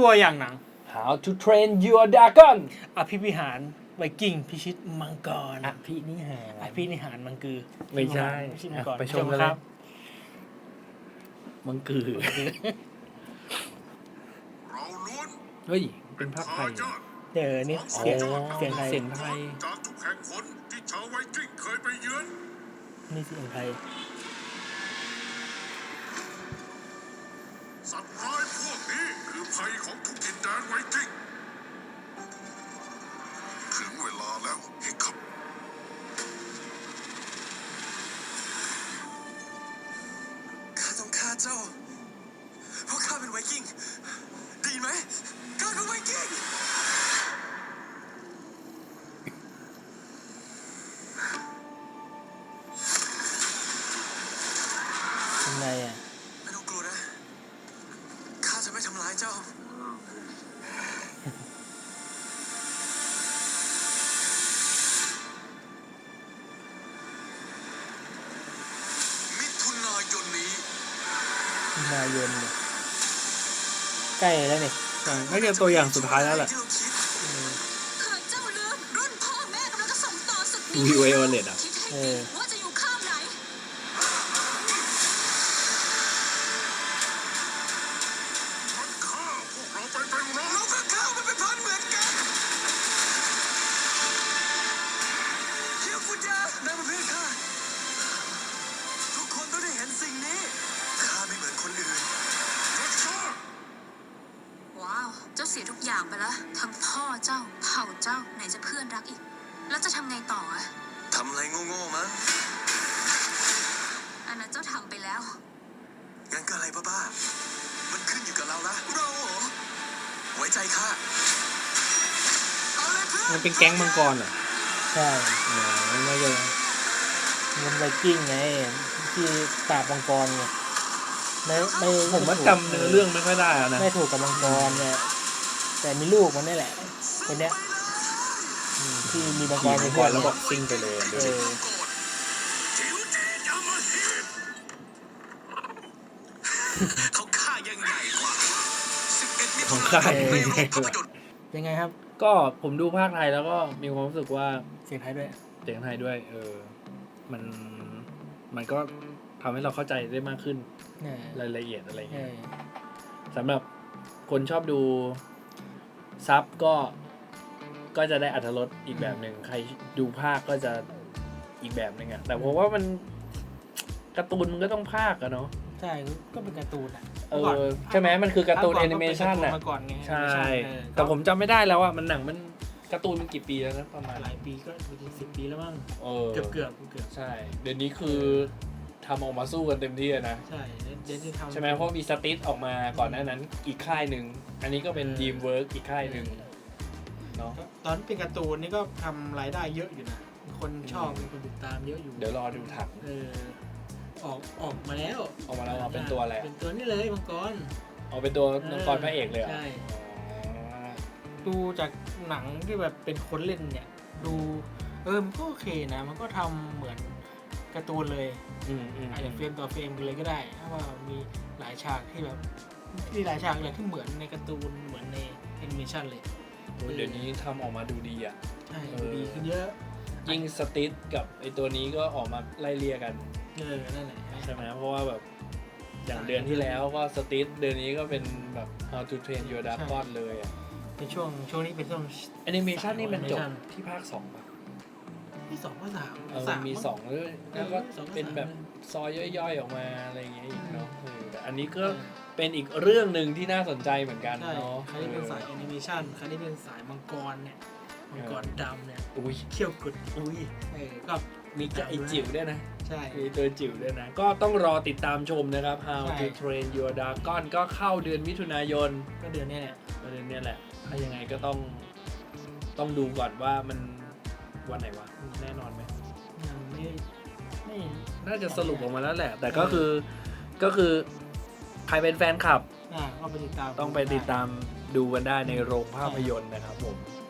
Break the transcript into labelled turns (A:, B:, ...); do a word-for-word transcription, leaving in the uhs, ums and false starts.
A: ตัวอย่างหนัง
B: How to Train Your Dragon
A: อภิวิหารไวกิ้งพิชิตมังกร
B: อภินิหาร
A: อภินิหารมังคือ
B: ไม่ใช่
A: พิชิตมังกร
B: ไปชมกันเลย มังคือ
C: เราล้วน
B: เฮ้ย เป็นภาคไทย
C: ทายาท
A: เดี๋ยวนี่เสียง
B: อ๋อ
A: เสียงไทย
B: เสียงไทย
C: จากทุกแห่งหนที่ชาวไวกิ้งเคยไปเยือน
A: นี่เสียงไทย
C: สัตว์ร้ายพวกนี้คือภัยของทุกดินแดนไวกิ้งถึงเวลาแล้วฮิคคับข้าต้องฆ่าเจ้าเพราะข้าเป็นไวกิ้งดีไหมข้าคือไวกิ้ง
A: ยังไงอ่ะ
C: ไม่ต้องกลัวนะ ข้าจะไม่ทำร้ายเจ้า มิถุนายนนี้
A: นายนเนี่ยใกล้แล้วนี่
B: น่าจะตัวอย่างสุดท้ายแล้วแหละ
C: ที่เราคิด
D: หากเจ้าลืมรุ่นพ่อแม่กำลังจะส่งต่อศึก
B: วี
D: นี้
B: ไวโอเลตอ่ะ
D: คิดให้ดีว่าจะอยู่ข้างไหน
C: มันฆ่าพวกเราไปเป็นร้อยเราก็ฆ่ามันเป็นพันเหมือนกันเคียวกุญแจนายมาเพื่อนข้าทุกคนต้องได้เห็นสิ่งนี้ข้าไม่เหมือนคนอื่นรักษา
D: ว้าว เจ้าเสียทุกอย่างไปแล้วทั้งพ่อเจ้าเผ่าเจ้าไหนจะเพื่อนรักอีก แล้วจะทำไงต่ออะ
C: ทำอะไรโง่ๆมั้ง
D: อันนั้นเจ้าทำไปแล้ว
C: งั้นก็อะไรบ้าๆมันขึ้นอยู่กับเรานะเราเหรอไว้ใจข้าเอาเลยเพื่อน
B: มันเป็นแก๊งมังกรเหรอ
A: ใช่
B: อ๋อไม่ใช่
A: มันไวกิ้งไงที่ปราบมังกรไงไม่ไม่
B: ผมว่าจำเนื้อเรื่องไม่ค่อยได้แล้วนะ
A: ไม่ถูกกับมังกรเนี่ยแต่มีลูกมันนี่แหละคนเนี้ยอืมที่มีมังก
B: ขี่
A: ร
B: มั
A: เป็
B: ง
A: น
B: ก
A: เพื่อ
B: ร
A: น
B: แล้ว
A: เนี่
B: ก็
A: ย
B: ซิ่งไปเลย
A: เออ
C: จิ๋วจียามาฮิตเขาฆ่ายังไงกว่าสิบเอ็ดมิถุนายนในโรงภาพยนตร์
A: ยังไงครับ
B: ก็ผมดูภาคไทยแล้วก็มีความรู้สึกว่า
A: เสียงไทยด้วย
B: เสียงไทยด้วย เออ มัน มันก็ทำให้เราเข้าใจได้มากขึ้น
A: เนี่ย
B: รายละเอียดอะไร
A: เอ
B: เงี้ย
A: อ
B: สำหรับคนชอบดูซับก็ ก็จะได้อรรถรสอีกแบบหนึ่ง ใครดูภาคก็จะอีกแบบหนึ่งอะแต่ผมว่ามันการ์ตูนมันก็ต้องภาคอะเนาะ
A: ใช่ก็เป็นการ์ตูนอ่ะ
B: เออ ใช่ไหมมันคือการ์ตูนแอนิเมชัน
A: อะ
B: อะ
A: มาก่อนไง
B: ใช่
A: เออ
B: แต่ผมจำไม่ได้แล้วอะมันหนังมันการ์ตูนมันกี่ปีแล้วนะประมาณ
A: หลายปีก็สิบปีแล้วมั้ง
B: เออ
A: เกือบเกือบเกือบ
B: ใช่ เดี๋ยวนี้คือทำออกมาสู้กันเต็มที่อะนะ
A: ใช่เดี๋ยวจะทำ
B: ใช่ไหมเพราะมีสติทออกมาก่อนหน้านั้นอีกค่ายหนึ่ง อันนี้ก็เป็น
A: เออ
B: ดีมเวิร์กอีกค่ายหนึ่งเนาะ
A: ตอนเป็นการ์ตูนนี่ก็ทำรายได้เยอะอยู่นะคนชอบมีคนติดตามเยอะอยู่
B: เดี๋ยวรอดูถัง
A: เออออกออกมาแล้ว
B: ออกมาแล้วเหรอเป็นตัวอะไรอะ
A: เป็นตัวนี้เลยมังกร
B: เอาเป็นตัวนักกรพระเอกเลยเหรอ
A: ใช่
B: อ๋อ
A: ดูจากหนังที่แบบเป็นคนเล่นเนี่ย ดูเออมันก็โอเคนะ มันก็ทำเหมือนการ์ตูนเลย
B: อืมอืม
A: อาจจะเฟรมต่อเฟรมกันเลยก็ได้ถ้าว่ามีหลายฉากที่แบบที่หลายฉากเลยที่เหมือนในการ์ตูนเหมือนในแอนิเมชันเลย
B: โอ้ยเดี๋ยวนี้ทำออกมาดูดีอ่ะ
A: ใช่
B: เออ
A: ดีขึ้นเยอะ
B: ยิ่งสติทกับไอตัวนี้ก็ออกมาไล่เลี่ยกัน
A: เออนั่นแหละ
B: ใช่ไหมเพราะว่าแบบอย่างเดือนที่แล้วก็สติทเดือนนี้ก็เป็นแบบ How to Train Your Dragon เลยอ่ะ
A: ในช่วงช่วงนี้เป็นช่วง
B: แอนิเมชันนี่มันจบ
A: Animation
B: ที่ภาคสองป่ะ
A: ที่สองก็สาม
B: เออ
A: สาม
B: มีสองด้วยแล้วก็
A: สองก็
B: เป็นแบบ
A: สาม
B: ซอยย่อยๆออกมาอะไรอย่างเงี้ยอีกเนาะเออแต่อันนี้ก็
A: เออ
B: เป็นอีกเรื่องหนึ่งที่น่าสนใจเหมือนกัน
A: ใช่
B: เนาะ
A: ใครที่เป็นสายแอนิเมชันใครที่เป็นสายมังกรเนี่ยมังกรดำเนี่ย
B: อุ้ย
A: เขี้ยวกุด
B: อุ้ย
A: เออก็
B: มีไอจิ๋วด้วยนะ
A: ใช่
B: มีตัวจิ๋วด้วยนะ ก็ต้องรอติดตามชมนะครับ How
A: ใช่
B: to Train Your Dragon ก็เข้าเดือนมิถุนายน
A: ก็เดือนนี้แหละ
B: เดือนเนี้ยแหละ ถ้ายังไงก็ต้องต้องดูก่อนว่ามันวันไหนวะ แน่นอนไหม
A: ยังไม่ไม่
B: น่าจะสรุปออกมาแล้วแหละ แต่ก็คือก็คือใครเป็นแฟนคลับ
A: อ่าก็ไปติดตาม
B: ต้องไปติดตามดูกันได้ในโรงภาพยนตร์นะครับผม